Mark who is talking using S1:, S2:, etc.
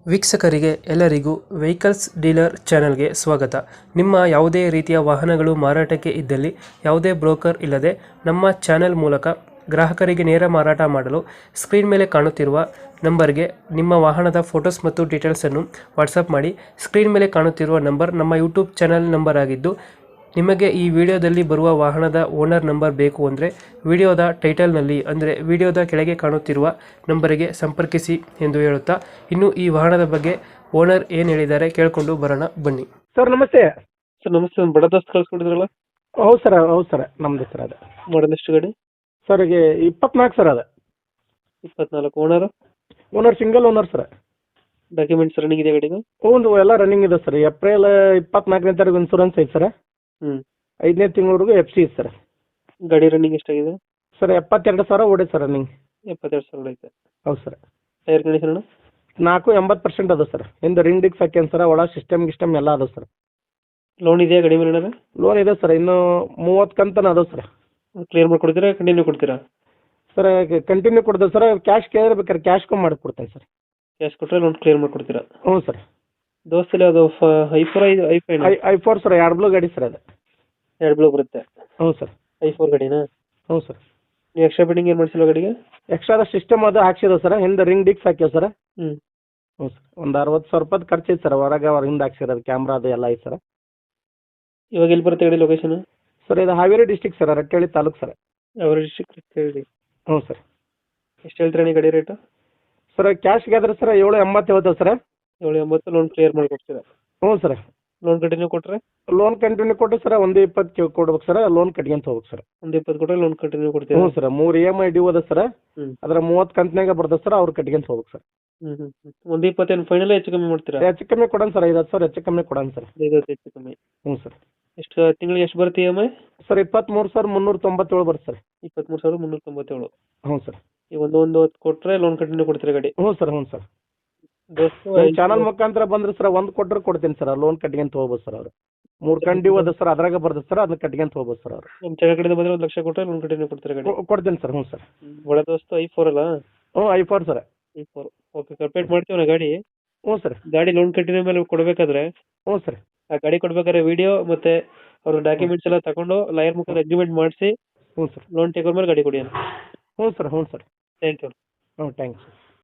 S1: ವೀಕ್ಷಕರಿಗೆ ಎಲ್ಲರಿಗೂ vehicles dealer ಚಾನೆಲ್ಗೆ ಸ್ವಾಗತ. ನಿಮ್ಮ ಯಾವುದೇ ರೀತಿಯ ವಾಹನಗಳು ಮಾರಾಟಕ್ಕೆ ಇದ್ದಲ್ಲಿ ಯಾವುದೇ ಬ್ರೋಕರ್ ಇಲ್ಲದೆ ನಮ್ಮ ಚಾನೆಲ್ ಮೂಲಕ ಗ್ರಾಹಕರಿಗೆ ನೇರ ಮಾರಾಟ ಮಾಡಲು ಸ್ಕ್ರೀನ್ ಮೇಲೆ ಕಾಣುತ್ತಿರುವ ನಂಬರ್ಗೆ ನಿಮ್ಮ ವಾಹನದ ಫೋಟೋಸ್ ಮತ್ತು ಡೀಟೇಲ್ಸನ್ನು ವಾಟ್ಸಪ್ ಮಾಡಿ. ಸ್ಕ್ರೀನ್ ಮೇಲೆ ಕಾಣುತ್ತಿರುವ ನಂಬರ್ ನಮ್ಮ ಯೂಟ್ಯೂಬ್ ಚಾನೆಲ್ ನಂಬರ್ ಆಗಿದ್ದು, ನಿಮಗೆ ಈ ವಿಡಿಯೋದಲ್ಲಿ ಬರುವ ವಾಹನದ ಓನರ್ ನಂಬರ್ ಬೇಕು ಅಂದರೆ ವಿಡಿಯೋದ ಟೈಟಲ್ನಲ್ಲಿ ಅಂದರೆ ವಿಡಿಯೋದ ಕೆಳಗೆ ಕಾಣುತ್ತಿರುವ ನಂಬರಿಗೆ ಸಂಪರ್ಕಿಸಿ ಎಂದು ಹೇಳುತ್ತಾ, ಇನ್ನು ಈ ವಾಹನದ ಬಗ್ಗೆ ಓನರ್ ಏನು ಹೇಳಿದ್ದಾರೆ ಕೇಳಿಕೊಂಡು ಬರೋಣ ಬನ್ನಿ.
S2: ಸರ್ ನಮಸ್ತೆ.
S1: ಸರ್ ನಮಸ್ತೆ, ಒಂದು ಬಡ ದೋಸ್ತ್ ಕಳ್ಸ್ಕೊಟ್ಟಿದ್ರಲ್ಲ?
S2: ಹೌದು ಸರ್ ನಮ್ದು ಸರ್ ಅದು.
S1: ಮಾಡಲ್ ಎಷ್ಟು ಗಾಡಿ?
S2: ಸರ್ ಈಗ 24 ಸರ್ ಅದು.
S1: 24. Owner?
S2: Owner single owner sir.
S1: Documents running ಇದೆ ಗಾಡಿಗೆ?
S2: ಒಂದು ಎಲ್ಲ ರನ್ನಿಂಗ್ ಇದೆ ಸರ್. ಏಪ್ರಿಲ್ 24ನೇ ತಾರೀಕು ಇನ್ಸೂರೆನ್ಸ್ ಐತೆ ಸರ್. 5ನೇ ತಿಂಗಳವರೆಗೂ FC ಇದೆ ಸರ್.
S1: ಗಾಡಿ ರನ್ನಿಂಗ್ ಎಷ್ಟಾಗಿದೆ?
S2: ಸರ್ 72,000 ಓಡಿ ಸರ್ ರನ್ನಿಂಗ್.
S1: 72,000 ಐತೆ.
S2: ಹೌದು ಸರ್.
S1: Tyre condition?
S2: 80% ಅದು ಸರ್. ಹಿಂದೆ ರಿಂಗ್ ಡಿಕ್ಸ್ ಹಾಕ್ಯಾನ ಸರ್. ಒಳ ಸಿಸ್ಟಮ್ ಎಲ್ಲ ಅದು ಸರ್.
S1: ಲೋನ್ ಇದೆಯಾ ಗಾಡಿ ಮೇಲೆ?
S2: ಲೋನ್ ಇದೆ ಸರ್. ಇನ್ನು 30 ಕಂತನ ಅದು ಸರ್.
S1: ಕ್ಲಿಯರ್ ಮಾಡ್ಕೊಡ್ತೀರಾ ಕಂಟಿನ್ಯೂ ಕೊಡ್ತೀರಾ?
S2: ಸರ್ ಕಂಟಿನ್ಯೂ ಕೊಡ್ತೇವೆ ಸರ್. ಕ್ಯಾಶ್ ಕೇಳಿದ್ರೆ ಬೇಕಾದ್ರೆ ಕ್ಯಾಶ್ ಕಮ್ಮಿ ಮಾಡಿಕೊಡ್ತೇನೆ ಸರ್.
S1: ಕ್ಯಾಶ್ ಕೊಟ್ಟರೆ ಲೋನ್ ಕ್ಲಿಯರ್ ಮಾಡ್ಕೊಡ್ತೀರಾ?
S2: ಹ್ಞೂ ಸರ್.
S1: ದೋಸ್ತಲ್ಲಿ ಅದು
S2: i4 ಸರ್. 2 ಬ್ಲೂ ಗಾಡಿ ಸರ್ ಅದು.
S1: 2 ಬ್ಲೂ ಬರುತ್ತೆ.
S2: ಹ್ಞೂ ಸರ್.
S1: i4 ಗಾಡಿನಾ?
S2: ಹ್ಞೂ ಸರ್.
S1: ನೀವು ಎಕ್ಸ್ಟ್ರಾ ಬಿಲ್ಡಿಂಗ್ ಏನು ಮಾಡಿಸಿಲ್ಲ ಗಾಡಿಗೆ?
S2: ಎಕ್ಸ್ಟ್ರಾ ಸಿಸ್ಟಮ್ ಅದು ಹಾಕ್ಸಿದ ಸರ್. ಹಿಂದೆ ರಿಂಗ್ ಡಿಕ್ಸ್ ಹಾಕ್ಯಾವ ಸರ್.
S1: ಹ್ಞೂ
S2: ಸರ್. ಒಂದು 60,000 ರೂಪಾಯಿ ಖರ್ಚು ಐತೆ ಸರ್. ಹೊರಗೆ ಹಿಂದೆ ಹಾಕ್ಸಿರೋದು ಕ್ಯಾಮ್ರಾ ಅದು ಎಲ್ಲ ಐತೆ ಸರ್.
S1: ಇವಾಗ ಎಲ್ಲಿ ಬರುತ್ತೆ ಗಾಡಿ ಲೊಕೇಶನ್?
S2: ಸರ್ ಇದು Haveri district sir. Rattihalli taluk sir.
S1: ಅವರ ಡಿಸ್ಟ್ರಿಕ್ಟ್ ಹೇಳಿ.
S2: ಹ್ಞೂ ಸರ್.
S1: ಎಷ್ಟು ಹೇಳ್ತೀರಾ ನೀವು ಗಾಡಿ ರೇಟು?
S2: ಸರ್ ಕ್ಯಾಶ್ಗೆ ಆದ್ರೆ ಸರ್ 780 ಹೇಳ್ತೇವೆ ಸರ್.
S1: 780 ಲೋನ್ ಕ್ಲಿಯರ್ ಮಾಡಿಕೊಡ್ತೀರಾ?
S2: ಹ್ಞೂ ಸರ್.
S1: ಲೋನ್ ಕಂಟಿನ್ಯೂ ಕೊಟ್ಟರೆ?
S2: ಲೋನ್ ಕಂಟಿನ್ಯೂ ಕೊಟ್ಟು ಸರ್ 120 ಕೊಡ್ಬೇಕು ಸರ್. ಲೋನ್ ಕಟ್ಕೊಂತ ಹೋಗ್ಬೇಕು ಸರ್.
S1: 120 ಕೊಟ್ಟರೆ ಲೋನ್ ಕಂಟಿನ್ಯೂ ಕೊಡ್ತೀರಾ?
S2: ಹ್ಞೂ ಸರ್. 3 EMI ಡ್ಯೂ ಅದ ಸರ್.
S1: ಹ್ಞೂ
S2: ಅದ್ರ 30 ಕಂತಿನಾಗ ಬರ್ತದೆ ಸರ್. ಅವ್ರು ಕಟ್ಕೊಂತ ಹೋಗ್ಬೇಕು ಸರ್.
S1: 120 ಏನು ಫೈನಲ್ ಹೆಚ್ಚು ಕಮ್ಮಿ ಮಾಡ್ತೀರಾ?
S2: ಹೆಚ್ಚು ಕಮ್ಮಿ ಕೊಡೋಣ ಸರ್. 5,000 ಹೆಚ್ಚು ಕಮ್ಮಿ ಕೊಡೋಣ ಸರ್.
S1: 50 ಹೆಚ್ಚು ಕಮ್ಮಿ.
S2: ಹ್ಞೂ ಸರ್.
S1: ಎಷ್ಟು ತಿಂಗಳಿಗೆ ಎಷ್ಟು ಬರುತ್ತೆ EMI?
S2: ಸರ್ 23,397 ಬರುತ್ತೆ ಸರ್.
S1: 23,397.
S2: ಹ್ಞೂ ಸರ್.
S1: ಈಗ ಒಂದು 10 ಕೊಟ್ಟರೆ ಲೋನ್ ಕಂಟಿನ್ಯೂ ಕೊಡ್ತೀರಾ ಗಾಡಿ?
S2: ಹ್ಞೂ ಸರ್. ಹ್ಞೂ ಸರ್.
S1: ದೋಸ್ತು
S2: ಚಾನಲ್ ಮುಖಾಂತರ ಬಂದ್ರೆ ಸರ್ 1 ಕೊಟ್ಟರೆ ಕೊಡ್ತೀನಿ ಸರ್. ಲೋನ್ ಕಟ್ಕೊಂತ ಹೋಗ್ಬೋದು ಸರ್. ಅವ್ರು 3 ಕಂತು ಡ್ಯೂ ಅದ ಸರ್. ಅದ್ರಾಗ ಬರ್ತದೆ ಸರ್. ಅದನ್ನ ಕಟ್ಕೊಂತ ಹೋಗ್ಬೋದು ಸರ್. ಅವ್ರು
S1: ನಮ್ಮ ಜಾಗ ಕಡೆಯಿಂದ ಬಂದರೆ 1 ಲಕ್ಷ ಕೊಟ್ಟರೆ ಲೋನ್ ಕಂಟಿನ್ಯೂ ಕೊಡ್ತೀರಾ ಗಾಡಿ?
S2: ಕೊಡ್ತೀನಿ ಸರ್. ಹ್ಞೂ ಸರ್.
S1: ಒಳ ದೋಸ್ತು i4 ಅಲ್ಲ?
S2: ಹ್ಞೂ i4 sir.
S1: i4 okay. Complete ಮಾಡ್ತೀವಿ ನಾ ಗಾಡಿ.
S2: ಹ್ಞೂ ಸರ್.
S1: ಗಾಡಿ ಲೋನ್ ಕಂಟಿನ್ಯೂ ಮೇಲೆ ಕೊಡಬೇಕಾದ್ರೆ
S2: ಹ್ಞೂ ಸರ್.
S1: ಆ ಗಾಡಿ ಕೊಡ್ಬೇಕಾದ್ರೆ ವಿಡಿಯೋ ಮತ್ತೆ ಅವ್ರ ಡಾಕ್ಯುಮೆಂಟ್ಸ್ ಎಲ್ಲ ತಗೊಂಡು ಲಾಯರ್ ಮುಖಾಂತರ ಅಗ್ರಿಮೆಂಟ್ ಮಾಡಿಸಿ
S2: ಹ್ಞೂ ಸರ್.
S1: ಲೋನ್ ಟೇಕ್ ಮೇಲೆ ಗಾಡಿ ಕೊಡಿ.
S2: ಹ್ಞೂ ಸರ್. ಹ್ಞೂ ಸರ್.
S1: Thank you.
S2: ಹ್ಞೂ ಥ್ಯಾಂಕ್ಸ್.